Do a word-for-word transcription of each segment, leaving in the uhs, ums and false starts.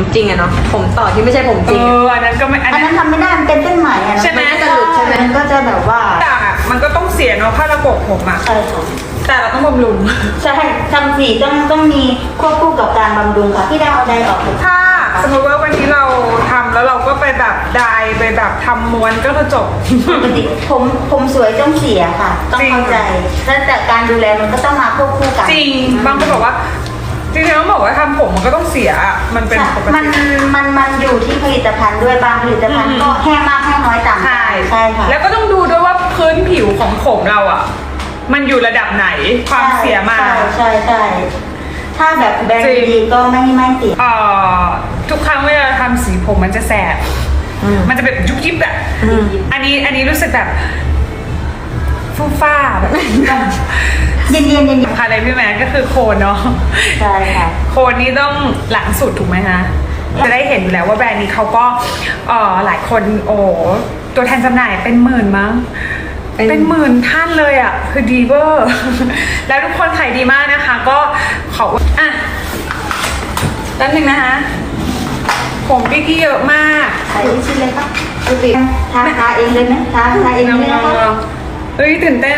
จริงอะเนาะผมต่อที่ไม่ใช่ผมจริงเอออันนั้นก็ไม่อันนั้นทำไม่ได้มันเป็นเส้นไหมอะใช่ไหมนก็จะหลุดใช่ไหมมันก็จะแบบว่าต่างอ่ะมันก็ต้องเสียเนาะค่าระบบผมอ่ะใช่ค่ะแต่เราต้องบำรุงใช่ทำสีต้องต้องมีควบคู่กับการบำรุงค่ะที่ได้เอาใดออกเลยถ้าสมมติว่าวันนี้เราทำแล้วเราก็ไปแบบไดายไปแบบทำม้วนก็คือจบปกติผมผมสวยต้องเสียค่ะ ต้องจริงเข้าใจแล้วแต่การดูแลมันก็ต้องมาควบคู่กันจริงบางคนบอกว่าจริงๆต้องบอกว่าทำผมมันก็ต้องเสียอะมันเป็นใช่ปกมันติมันมันอยู่ที่ผลิตภัณฑ์ด้วยบางผลิตภัณฑ์อืมก็แห้งมากแห้งน้อยต่างกันใช่ใช่ค่ะแล้วก็ต้องดูด้วยว่าพื้นผิวของผมเราอ่ะ มันอยู่ระดับไหนความเสียมาใช่ใช่ใช่ถ้าแบบแบรนจริด์งดีก็ไม่ไม่เสียเอ่อทุกครั้งเวลาทำสีผมมันจะแสบอืมมันจะแบบยุบยิบอะอืมอันนี้อันนี้รู้สึกแบบฟูฟ้าแบบเย็นเย็นเย็นสำคัญเลยพี่แม่ก็คือโคนเนาะใช่ค่ะโคนนี้ต้องหลังสุดถูกไหมคะจะได้เห็นอยู่แล้วว่าแบรนด์นี้เขาก็เอ่อหลายคนโอ้ตัวแทนจำหน่ายเป็นหมื่นมั้งเป็นเป็นหมื่นท่านเลยอ่ะ คือดีเวอร์ แล้วทุกคนขายดีมากนะคะ ก็ขออ่ะด้านหนึ่งนะคะ ผมพี่กี้เยอะมากใส่ชิ้นเลยครับดูสิทาทาเองเลยไหมทาทาเองเลยนะคะเฮ้ยตื่นเต้น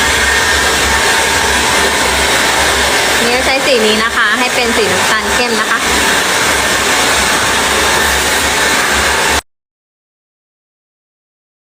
นี่ใช้สีนี้นะคะ ให้เป็นสีน้ำตาลเข้มนะคะ